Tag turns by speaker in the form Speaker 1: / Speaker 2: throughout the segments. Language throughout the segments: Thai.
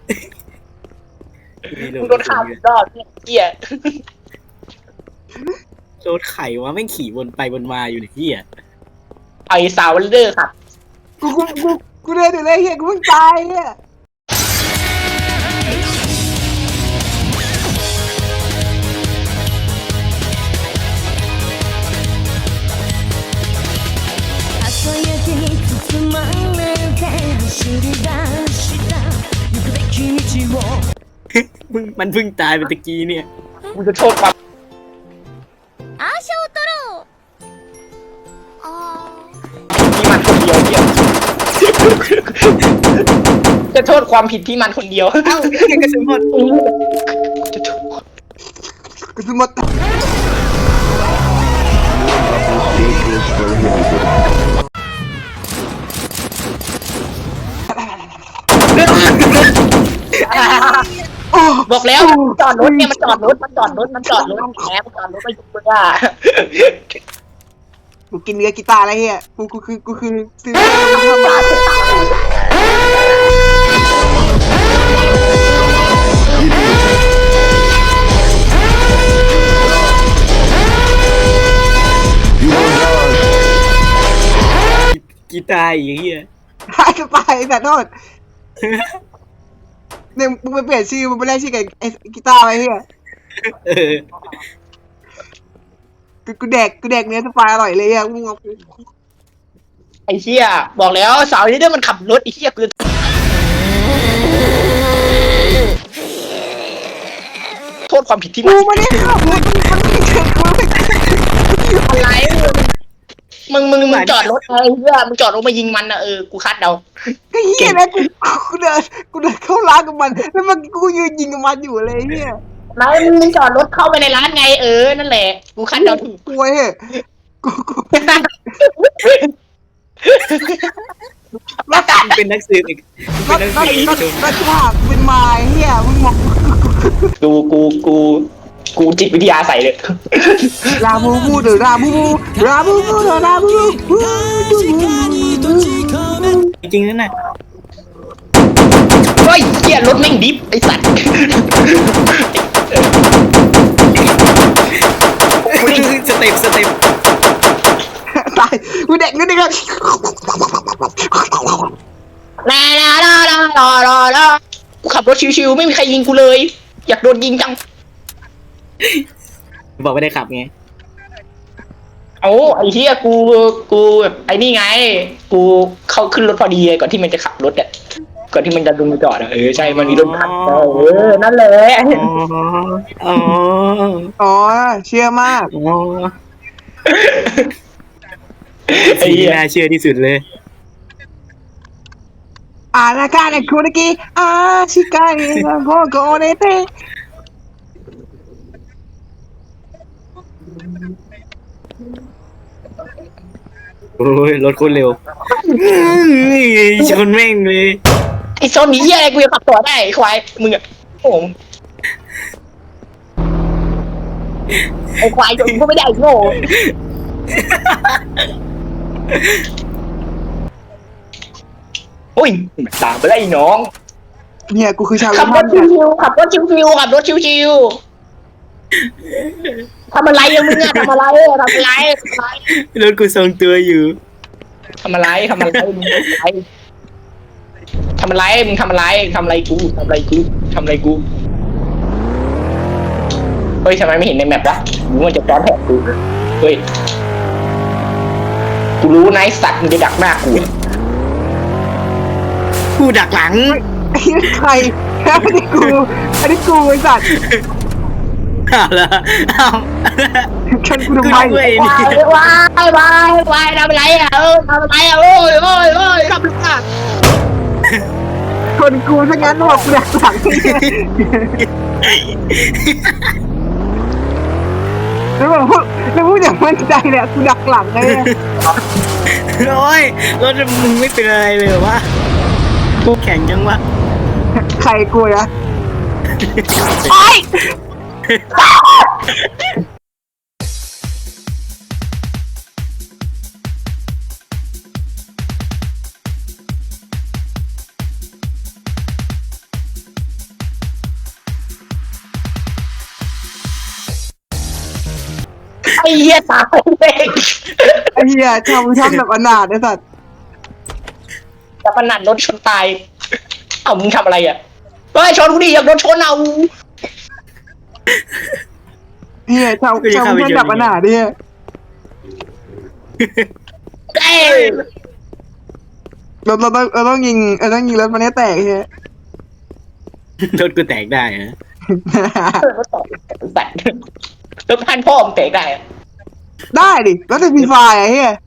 Speaker 1: มึงโดนฆ่าอีกรอบเนี่ยเหี้ย
Speaker 2: โดนไข่วะแม่งขี่วนไปวนมาอยู่ในที่อ่ะ
Speaker 1: ไอ้สาววันเดอร์ครับ
Speaker 3: กูเดินอยู่เลยเฮียกูเพิ่งตายเฮีย
Speaker 4: 朝焼けに包まれて走り出した行くべき道を
Speaker 2: มันเพิ่งตายไปตะกี้เนี่ย
Speaker 1: มึงจะโทษความ
Speaker 4: アーシャを取ろうあ
Speaker 1: ที่มันคนเดียวเนี่ยจะโทษความผิดที่มันคนเดียว
Speaker 2: เอ้าแกกระสุนหมด
Speaker 1: จะโทษ
Speaker 3: กูสมมติ
Speaker 1: บอกแล้วจอดรถเนี่ยมันจอดรถแหมมันจอดรถไปยุบมึงอ่ะ
Speaker 3: กูกินเนื้อกีตาร์อะไรเฮียกูคือซื้อมา
Speaker 2: กีตาร์อีกเหี้ย
Speaker 3: หายไปแต่โทษเนี่ยมึงไปเปลี่ยนชื่อมึงไปแลกชื่อกับไอ้กีตาร์ไว้เฮีย
Speaker 2: เออ
Speaker 3: กูแดกเนื้อสปายอร่อยเลยอ่ะมึงเอา
Speaker 1: ไอ้เหี้ยบอกแล้วสาวนี่เด้อมันขับรถไอ้เหี้ยกูโทษความผิดที่
Speaker 3: กู
Speaker 1: มัน
Speaker 3: ไม่ได้ขับรถมันไม่เกิดกูไม่
Speaker 1: อะไรมึงจอดรถไอ้เหี้ยมึงจอดรถมายิงมันนะกูคาดเดา
Speaker 3: ก็เฮียนะกูเดินเข้าร้านกับมันแล้วมันกูยืนยิงกับมันอยู่เลยเฮีย
Speaker 1: แล้วมึงจอดรถเข้าไปในร้านไงนั่นแหละกูคาดเดาถูก
Speaker 3: กลัวเฮ้ยกู
Speaker 2: มึงเป็นนักสืบอีกมึงเป็นนักสืบอีกชม
Speaker 3: ก็ฉากเป็นไม้เฮียมึงมอง
Speaker 1: กูจิตวิทยาใส่เลย
Speaker 3: ราบูบูเดอราบูบูราบูบูเดอราบูบู
Speaker 2: จริงๆนั่นน่ะ
Speaker 1: เฮ้ยเหี้ยรถแม่งดิฟไอ้สัตว์
Speaker 2: สเต็ป
Speaker 3: ตายกูเด็กนิดนึง
Speaker 1: ลากูขับรถชิวๆไม่มีใครยิงกูเลย อยากโดนยิงจัง
Speaker 2: บอกไม่ได้ขับไง
Speaker 1: เอาไอ้เหี้ยกูแบบไอ้นี่ไง กูเข้าขึ้นรถพอดีก่อนที่มันจะขับรถอ่ะก่อนที่มันจะลงมาจอดอ่ะใช่มันมีรถขับนั่นแหละ
Speaker 2: อ๋อ
Speaker 3: อ๋อเชื่อมาก
Speaker 2: อ๋อสิ่งที่น่าเชื่อที่สุดเลย
Speaker 3: นาคาเนี่ยคุนกิชิกาเนี่ยโกโกเนเต
Speaker 2: โอ้ยรถโคตรเร็วชนแม่งเลย
Speaker 1: ไอ้โซนนี้เหี้ยอะไรกูจะขับต่อได้ไอ้ควายมึงอ่ะผมไอ้ควายจนกูไม่ได้ไอ้โง่โอ้ยตามไปไล่น้อง
Speaker 3: เนี่ยกูคือชาว
Speaker 1: ขับรถชิวๆขับรถชิวๆทำอะไรอะมึงอะทำอะไร
Speaker 2: รถกูทรงตัวอยู่
Speaker 1: ทำอะไรมึงทำอะไรมึงทำอะไรกูเฮ้ยทำไมไม่เห็นในแมปวะมึงมันจะซ้อนแผนกูเฮ้ยกูรู้นะไอ้สัตว์มึงจะดักหน้ากู
Speaker 2: ผู้ดักหลัง
Speaker 3: ใครอันนี้กูไอ้สัตว์
Speaker 2: เอาละเอา
Speaker 3: ฉันกูทำไม
Speaker 2: ด้วยนี่
Speaker 1: วายทำอะไรอะทำอะไรอะโอ้ยทำอะไรอะ
Speaker 3: คนกูซะงั้นบอกกูดักหลังแล้วพูดอย่างมั่นใจเนี่ยกูดักหลังเลย
Speaker 2: โอ้ยรถมึงไม่เป็นอะไรเลยเหรอวะกูแข็งจังวะ
Speaker 3: ใครกูนะ
Speaker 1: ไอ้อ้เหี้ยตายเลย
Speaker 3: ไอ้เหี้ยทำแบบอนาถไอ้สัตว์
Speaker 1: แต่ขนาดรถชนตายเอ้ามึงทำอะไรอ่ะเฮ้ยชนกูดิอยากโดนชนเอา
Speaker 3: เหี้ยทำแบบอนาถเนี่ย
Speaker 1: เอ้ย
Speaker 3: เราต้องยิงรถมันให้แตกเหี้ย
Speaker 2: รถกูแตกได้นะ
Speaker 1: รถต่อแต่รถพันพ่อมึงเตะได้อะ
Speaker 3: ได้ดิแล้วจะมีไฟล์ไอ้เหี้ย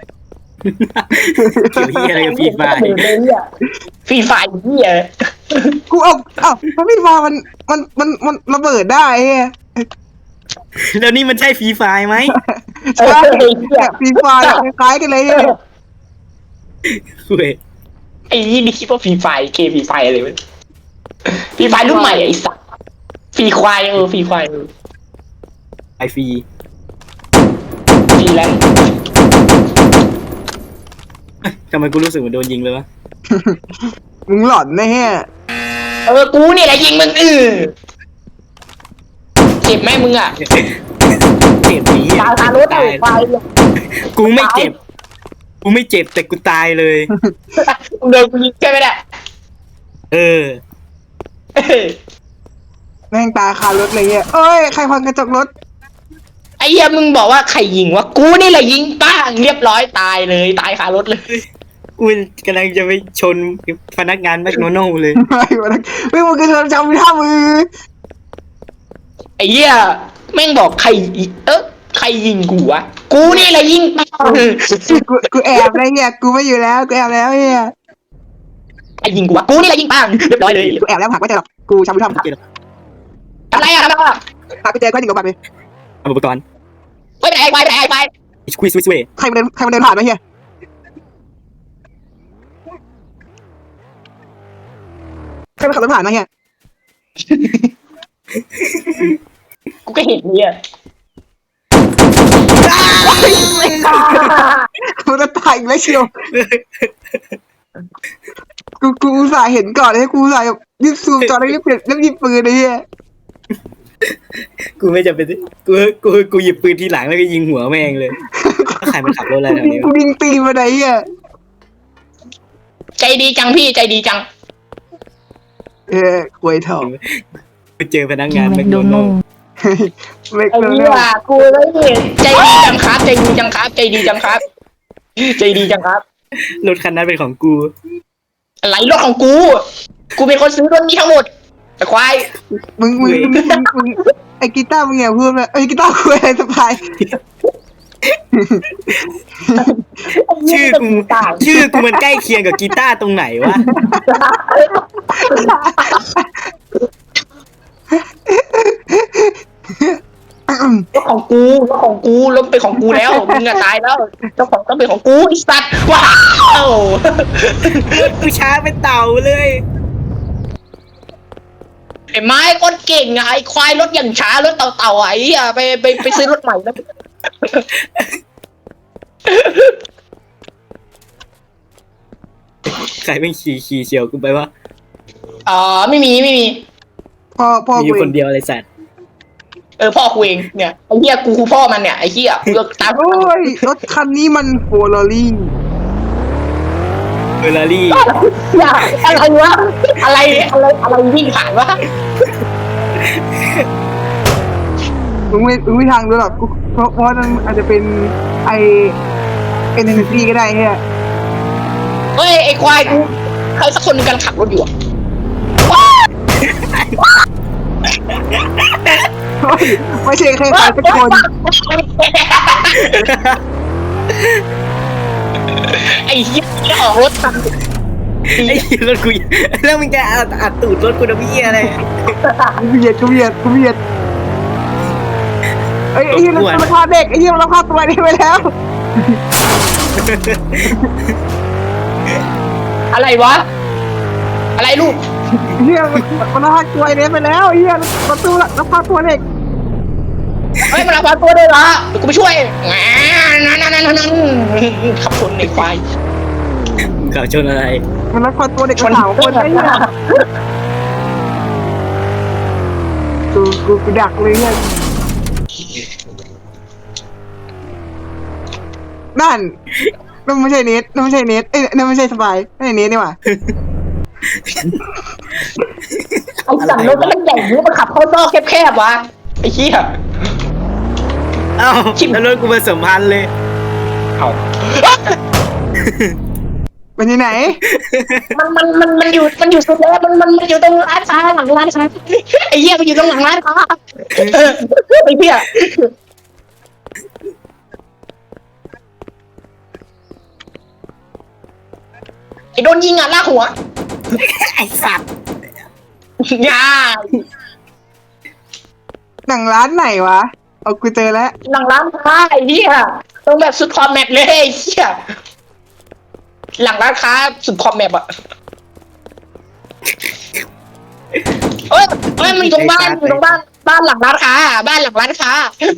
Speaker 2: เกี่ยวเหี้ยอะไรกับฟีดไฟ
Speaker 1: ฟรีไฟเหี้ย
Speaker 3: กูถ้ามีไฟล์มันระเบิดได้ไอ้เหี้ย
Speaker 2: แล้วนี่มันใช่ฟรีไฟไหม
Speaker 3: ใช่แบบมีไฟล์คล้ายๆกันเลยเหี้ย
Speaker 2: เว้ย
Speaker 1: ไอ้ยี่นี่คิดว่าฟรีไฟฟรีไฟอะไรวะฟรีไฟรุ่นใหม่ไอ้สัสฟรีควายฟรีควาย
Speaker 2: ไอฟรี
Speaker 1: ฟรีแลนซ์
Speaker 2: ทำไมกูรู้สึกเหมือนโดนยิงเลยวะ
Speaker 3: มึงหลอนนะเหี้ย
Speaker 1: กูนี่แหละยิงมึงเจ็บไหมมึงอ่ะ
Speaker 2: เจ็บดี
Speaker 1: ตายคารถไอ้ไฟ
Speaker 2: กูไม่เจ็บแต่กูตายเลย
Speaker 1: เดินกูยิงใช่ไหมเนี่ย
Speaker 2: เออ
Speaker 3: แม่งตาคารถเลยเหี้ยเอ้ยใครพังกระจกรถ
Speaker 1: ไอ้เหี้ยมึงบอกว่าใครยิงวะกูนี่แหละยิงป้างเรียบร้อยตายเลยตายคารถเลย
Speaker 2: กูกำลังจะไปชนพนักงานแมคโดนัลด์เลย
Speaker 3: ไม่มึงคือจำไม่ท่ามือ
Speaker 1: ไอ้เหี้ยแม่งบอกใครใครยิงกูวะกูนี่แหละยิงป้าง
Speaker 3: กูแอบอะไรเงี้ยกูไม่อยู่แล้วกูแอบแล้วเฮีย
Speaker 1: ไอ้ยิงกูวะกูนี่แหละยิงป้างเรียบร้อยเลย
Speaker 3: กูแอบแล้วหักไม่เจอหรอกกูจำไม่ท่า
Speaker 1: อะไรอะทำอะไรอะ
Speaker 3: หาไปเจอก็หนึ่งกับบัตรเลย
Speaker 2: เอาอุปกรณ์
Speaker 1: ไปไหนไปไหนไป
Speaker 2: ควิสวิสเวย์
Speaker 3: ใครมาเดินผ่านไหมเฮียใครมาขับรถผ่านไหมเฮีย
Speaker 1: กูก็เห็นเนี่ย
Speaker 3: มันจะตายอีกแล้วเชียวกูอุตส่าห์เห็นก่อนเลยกูอุตส่าห์รีบซูมจอแล้วรีบเปลี่ยนแล้วหยิบปืนเลยเฮีย
Speaker 2: กูไม่จำเป็นกูหยิบปืนทีหลังแล้วก็ยิงหัวแม่งเลยใครมันขับรถอะไรแถวนี้
Speaker 3: กูยิงตีมาไหนเฮีย
Speaker 1: ใจดีจังพี่ใจดีจัง
Speaker 3: ควยทอง
Speaker 2: ไปเจอพนักงานแมคโดนัลด์
Speaker 3: ไม่
Speaker 1: ไอ้
Speaker 3: เกิน
Speaker 1: เหี้ยกูเลยใจดีจังครับใจดีจังครับใจดีจังครับใจดีจังครับ
Speaker 2: รถคันนั้นเป็นของกู
Speaker 1: อะไรรถของกูเป็นคนซื้อรถนี้ทั้งหมดไอ้ควาย
Speaker 3: มึงไอ้กีตาร์มึงอย่าพูดนะไอ้กีตาร์คุยอะไรสบาย
Speaker 2: ชื่อกูมันใกล้เคียงกับกีตาร์ตรงไหนวะ
Speaker 1: รถของกูรถเป็นของกูแล้วมึงอะตายแล้วเจ้าของต้องเป็นของกูไอ้สัตว์ว้าว
Speaker 2: กูช้าเป็นเต่าเลย
Speaker 1: ไอ้ไม้ก้นเก่งอะไอ้ควายรถอย่างช้ารถเต่าๆไอ้เหี้ยไปซื้อรถใหม่แล้ว
Speaker 2: ใครเป็นขี่เฉียวกูไปวะ
Speaker 1: ไม่มี
Speaker 3: พ่อ
Speaker 2: มีอยู่คนเดียวอะไรสัตว์
Speaker 1: พ่อกูเองเนี่ยไอ้เหี้ยกูคือพ่อมันเนี่ยไอ้เหี้ยเลือกตาม
Speaker 3: โอ้ยรถคันนี้มันโฟลอรี่
Speaker 2: เฟอร์รารี่
Speaker 1: อย่าอะไรวะอะไรวิ่งผ่านวะ
Speaker 3: มึงไม่ทางรู้หรอกเพราะนั่นอาจจะเป็นไอเอ็นเอเนจีก็ได้เฮีย
Speaker 1: เฮ้ยไอ้ควายกูใครสักคนหนึงกำลังขับรถอยู่อะ
Speaker 3: ไม่ใช่ใครสักคน
Speaker 1: ไอ้เหี้ยออกรถตัง
Speaker 2: ไอ้รถกูแล้วมึงจะอัดตูดรถกูนะพี่อะไร
Speaker 3: กูเบียดไอ้เหี้ยมันราคาเด็กไอ้เหี้ยมันราคาตัวนี้ไปแล้ว
Speaker 1: อะไรวะอะไรลูก
Speaker 3: เหี้ยมันราคาตัวนี้ไปแล้วเหี้ยประตูราคาตัวเด็ก
Speaker 1: เฮ้ยมันเอาตัวได้เหรอเดี๋ยวกูไปช่วยนั่นขับชนในควาย
Speaker 2: มึงขับชนอะไร
Speaker 3: มันราคาตัวเด็กสาวคนไอ้เหี้ยกูดักเลยเนี่ยนั่นไม่ใช่เนทนั่นไม่ใช่เนทนั่นไม่ใช่สบายนั่นเนทนี่หว่า
Speaker 1: ไอ้สั่งรถมันใหญ่นี้มันขับเข้าซอกแคบๆวะไอ้เหี้ย
Speaker 2: เอ้าแล้วรถกูผสมพันธุ์เลย
Speaker 1: เอา
Speaker 3: เป็นที่ไหน
Speaker 1: มันอยู่สุดแล้วมันอยู่ตรงร้านค้าหลังร้านค้าไอ้เหี้ยมันอยู่ตรงหลังร้านค้าไอ้เหี้ยไอ้โดนยิงอ่ะลากหัว
Speaker 2: ไอ้สัตว์
Speaker 1: ย่า
Speaker 3: หนังร้านไหนวะเอากูเจอแล้ว
Speaker 1: หลังร้านค้าไอ้เหี้ยตรงแบบสุดคอมแมปเลยไอ้เหี้ยหลังร้านค้าสุดคอมแมปอะเอ้ยมันอยู่ตรงบ้านบ้านหลังร้านค้าบ้านหลังร้านค้า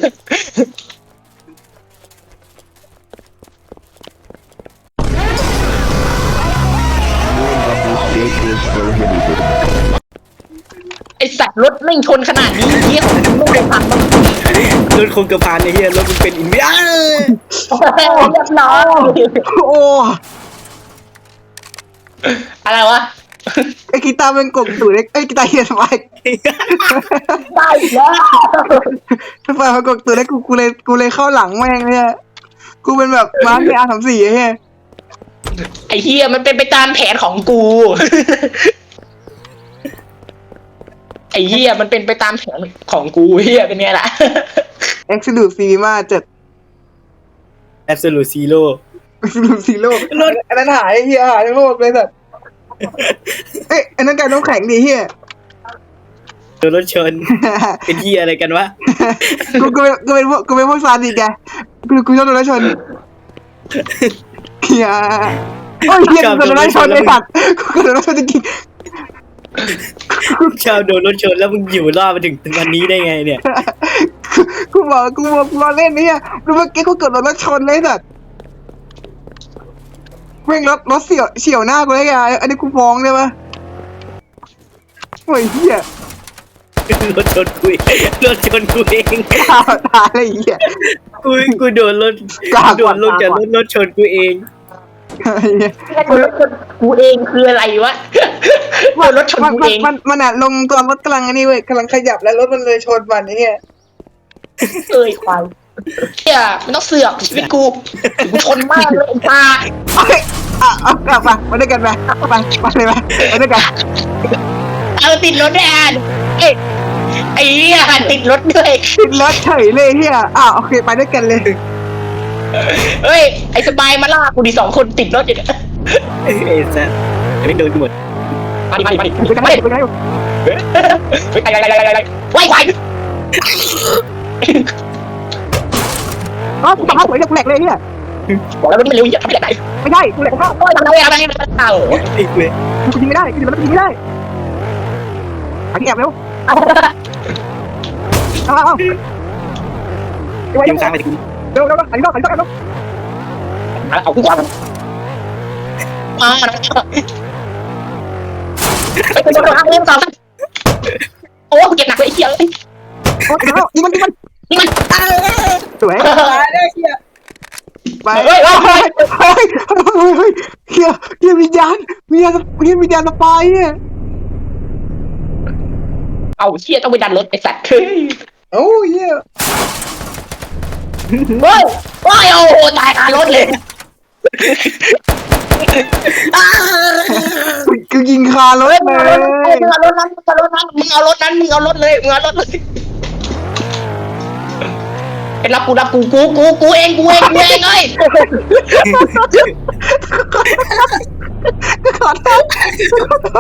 Speaker 1: ไอสัตว์รถไม่งชนขนาดนี้เหี้ยของมึงไม่เคยพังมั้ง
Speaker 2: รถคงกระพานไอ้เหี้ยรถมันเป็นอินเดีย
Speaker 1: เรียบร้อย
Speaker 3: โอ้
Speaker 1: อะไรวะ
Speaker 3: ไอ้กีตาร์เป็นกบตู่เล็กไอ้กีตาร์เฮียสบาย
Speaker 1: ได้อีกแล้ว
Speaker 3: สบายมันกบตู่เล็กกูเลยเข้าหลังแม่งเนี่ยกูเป็นแบบมาร์คในR34ไอ้เหี้ย
Speaker 1: ไอ้เฮียมันเป็นไปตามแผนของกู ไอ้เฮียมันเป็นไปตามแผนของกูเฮียเป็นไงล่ะ
Speaker 3: Absolute Cinema 7
Speaker 2: แอบสูตซีโร่
Speaker 3: Absolute Zero รถอันนั้นหายเฮียหายทั้งโลกเลยสัตว์เอ้ยอันนั้นการน้ำแข็งดิเฮีย
Speaker 2: โดนรถชน เป็นเหี้ยอะไรกันวะ
Speaker 3: กูเป็นพวกซาดิสแกกูชอบโดนรถชนเฮียโอ้ยเฮียกูโดนรถชนเลยสัตว์กูโดนรถชนจริง
Speaker 2: ชาวโดนรถชนแล้วมึงอยู่รอดมาถึงวันนี้ได้ไงเนี่ย
Speaker 3: ๆกูรอเล่นเนี่ยดูเมื่อกี้กูเกิดโดนรถชนเลยสัตว์แม่งรถเฉียวหน้ากูเลยไงอันนี้กูฟ้องได้ปะโอ้ยเฮีย
Speaker 2: รถชนกูเองรถชนกูเอง
Speaker 3: ตายเลยเฮีย
Speaker 2: กูโดนรถ
Speaker 3: กล้า
Speaker 2: โดนลงจากรถชนกูเอง
Speaker 1: กูเองคืออะไรวะโดนรถชนกูเอง
Speaker 3: มันอ่ะลงตอนรถกำลังอันนี้เว้ยกำลังขยับแล้วรถมันเลยชนมันไอ้เนี่ย
Speaker 1: เอ้ยควายเฮียมันต้องเสือกชีวิตกูชนมากเลยไอ้ตา
Speaker 3: เอ้ยเอากลับมาด้วยกันไปเลยไปด้วยกัน
Speaker 1: เอาติดรถด้วยอ่ะเอ้ยไอ้เหี้ยติดรถด้วย
Speaker 3: ติดรถเฉยเลยเฮียโอเคไปด้วยกันเลย
Speaker 1: เฮ้ยไอ้สบายมาล่ากูดิ2 คนติดรถอยู่เนี่ย
Speaker 2: ไอ้สัสไม่โดนกูหมด
Speaker 1: มาดิ
Speaker 3: ไปกัน
Speaker 1: ไป
Speaker 3: ไปกันไป
Speaker 1: ไหวควาย
Speaker 3: กูทำสวยเลยกูแหลกเลยเฮีย
Speaker 1: บอกแล้วมันเร็วอย่าทำแบบไหน
Speaker 3: ไม่ใช่กูแหลกข้าว
Speaker 1: โอ้ยทำอะไรเอา
Speaker 2: ไอ้เว้ย
Speaker 3: กูยิงไม่ได้กูยิงไม่ได้อันนี้แอบเร็วเอา
Speaker 2: ยิงซ้ายไปถึง
Speaker 3: เร็วอันนี้ต้อง
Speaker 1: เอากูก่อนมาไปเป็นตัวทางเล่นต่อโอ้เจ็บหนักเลยไอ้เหี้ยเลย
Speaker 3: ยิงมัน
Speaker 1: นี่มัน
Speaker 3: สวยไป
Speaker 1: เฮ้ย
Speaker 3: เฮียวิญญาณสปายเนี่ย
Speaker 1: เอาเชี่ยต้องไปดันรถไอ้สัตว์เฮ้ย
Speaker 3: โอ้เฮีย
Speaker 1: โอ้ยโอ้โหตายคารถเลย
Speaker 3: กูยิงคารถเลย
Speaker 1: มึงเอารถนั้นมึงเอารถนั้นมึงเอารถเลยรับกูเองเลย
Speaker 3: ขอโทษ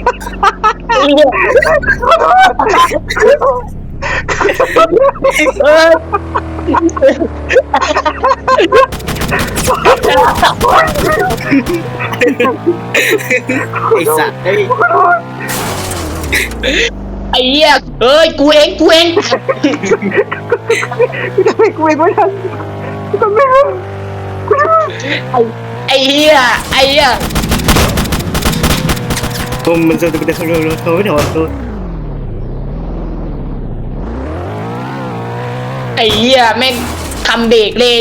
Speaker 2: ไอ้สัสไอ้
Speaker 1: ไอ้เหี้ยเอ้ยกูเอง
Speaker 3: กูจะไม่กูเองไม่ทันกูจะไม่รู้
Speaker 1: ไอ้เหี้ย
Speaker 2: ผมมันจะโทรไม่ถอดตัว
Speaker 1: ไอ้เหี้ยแม่งคำเบรกเลย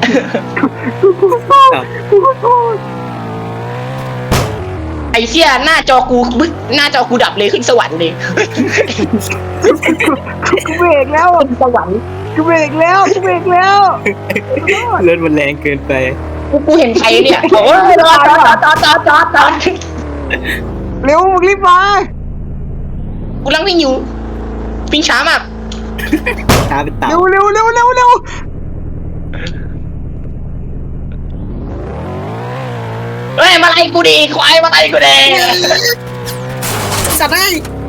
Speaker 1: ไอ้เชี่ยหน้าจอกูดับเลยขึ้นสวรรค์เลย
Speaker 3: กูเบรกแล้ว
Speaker 1: ขึ้นสวรรค์
Speaker 3: กูเบรกแล้วกูเบรกแล้ว
Speaker 2: รถมันแรงเกินไป
Speaker 1: กูเห็นใครเนี่ยบอกว่าจอด
Speaker 3: เร็วมึงรีบมา
Speaker 1: กูกำลังวิ่งอยู่วิ่งช้ามาก
Speaker 2: ช้าเป็นเต่า
Speaker 3: เร็วเร็วเร็วเร็วเร็ว
Speaker 1: เฮ้ยมาไล่กูดิควายมาไล่กูดิ
Speaker 2: สัตว์ได้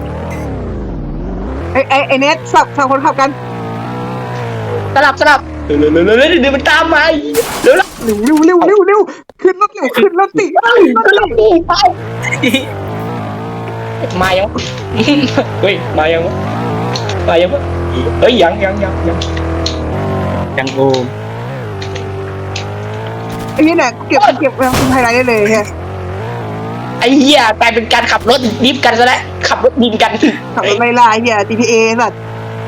Speaker 3: ไอ้เน็ตสับคนขับกัน
Speaker 1: สลับเร็วเดี๋ยวมันตามมาเร็ว
Speaker 3: เร็วเร็วเร็วเร็วขึ้นรถเร็วขึ้นรถติ
Speaker 1: ก็ลงดิไปมายังเฮ้ยมายังเฮ้ยยัง
Speaker 2: จังโอม
Speaker 3: ไอ้นี่เนี่ยเก็บไฮไลท์ได้เลยแค่
Speaker 1: ไอ้เหี้ยกลายเป็นการขับรถดิฟกันซะแล้วขับรถดินกัน
Speaker 3: ขับรถไม่ล่าไอ้เหี้ย GTA สัตว์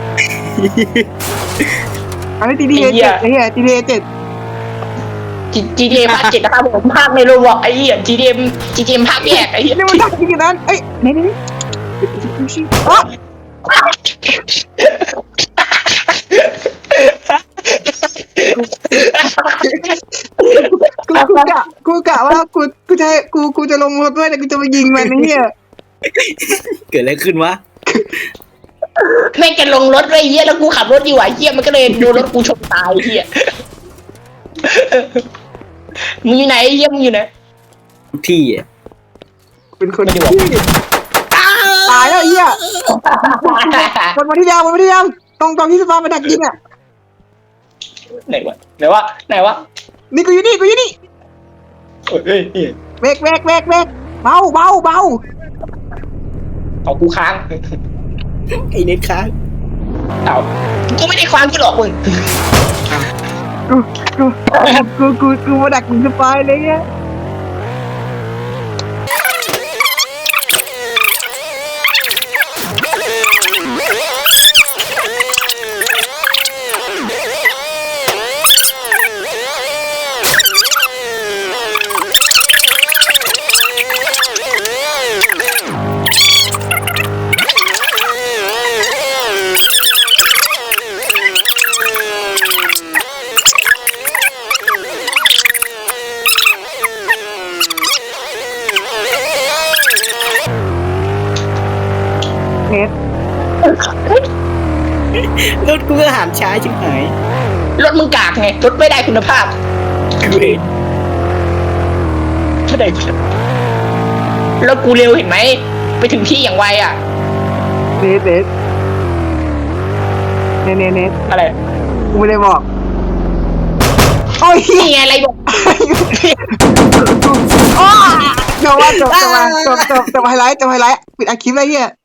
Speaker 3: อันนี้ GTA 7ไอ้เหี้ย GTA 7
Speaker 1: GTA ภาค 7นะครับผมภาคในโรบอทไอ้เหี้ย GTA ภาคแยกไอ้เหี้ย
Speaker 3: นี่มันดักจริงๆนั้นเอ้ยนี่อ๋อกูกะว่ากูจะลงรถด้วยแต่กูจะมายิงมันไอ้เหี้ย
Speaker 2: เกิดอะไรขึ้นวะ
Speaker 1: แม่งจะลงรถไว้เหี้ยแล้วกูขับรถอยู่ไอ้เหี้ยมันก็เลยโดนรถกูชนตายเหี้ยมึงอยู่ไหนไอ้เหี้ยมึงอยู่ไหน
Speaker 2: ที่อ่ะ
Speaker 3: เป็นคน
Speaker 1: ไม่ได้
Speaker 3: ที่
Speaker 1: บอก
Speaker 3: ตายแล้วไอ้เหี้ยวนมาที่เดิมตรงที่สปามาดักยิงอ่ะ
Speaker 1: ไหนวะ
Speaker 3: นี่กูอยู่นี่
Speaker 1: เฮ้ย
Speaker 3: เบรกเบา
Speaker 1: เอากูค้าง
Speaker 2: ไอ้เน็ตค้าง
Speaker 1: เอากูไม่ได้ค้างกูหรอกมึง
Speaker 3: กูมาดักยิงสปายเลยเนี่ยเน็ต
Speaker 2: รถกูก็หันช้าชิบหาย
Speaker 1: รถมึงกากไงรถไม่ได้คุณภาพ
Speaker 2: กูเอง
Speaker 1: ไม่ได้คุณภาพแล้วกูเร็วเห็นไหมไปถึงที่อย่างไวอ่ะ
Speaker 3: เน็ต
Speaker 1: อะไร
Speaker 3: กูไม่ได้บอกโอ้ย
Speaker 1: นี่ไงอะไรบอก
Speaker 3: จบไฮไลท์ปิดอาคลิปเลยเฮีย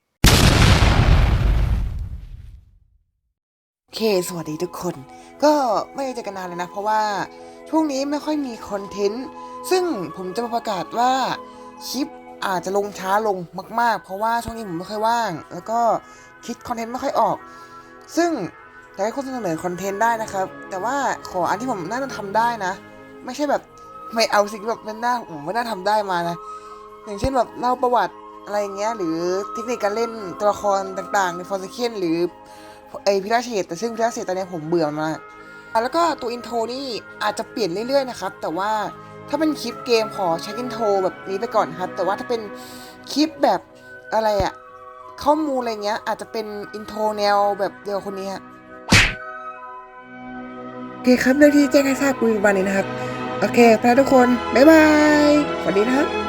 Speaker 3: โอเคสวัสดีทุกคน ก็ไม่ได้เจอกันนานเลยนะ เพราะว่าช่วงนี้ไม่ค่อยมีคอนเทนต์ซึ่งผมจะมาประกาศว่าคลิปอาจจะลงช้าลงมากๆ เพราะว่าช่วงนี้ผมไม่ค่อยว่าง แล้วก็คิดคอนเทนต์ไม่ค่อยออก ซึ่งอยากให้คนเสนอคอนเทนต์ได้นะครับ แต่ว่าขออันที่ผมน่าจะทำได้นะ ไม่ใช่แบบไม่เอาสิ่งแบบมันน่าผมไม่น่าทำได้มานะ อย่างเช่นแบบเล่าประวัติอะไรเงี้ยหรือเทคนิคการเล่นตัวละครต่างๆในฟอร์ซเคนหรือพิราเชตแต่ซึ่งพิราเชตตอนนี้ผมเบื่อมากแล้วก็ตัวอินโทรนี่อาจจะเปลี่ยนเรื่อยๆนะครับแต่ว่าถ้าเป็นคลิปเกมขอใช้อินโทรแบบนี้ไปก่อนครับแต่ว่าถ้าเป็นคลิปแบบอะไรอะข้อมูลอะไรเงี้ยอาจจะเป็นอินโทรแนวแบบเดียวคนนี้ฮะโอเคครับเรื่องที่แจ้งให้ทราบคุยวันนี้นะครับโอเคไปทุกคนบ๊ายบายสวัสดีนะครับ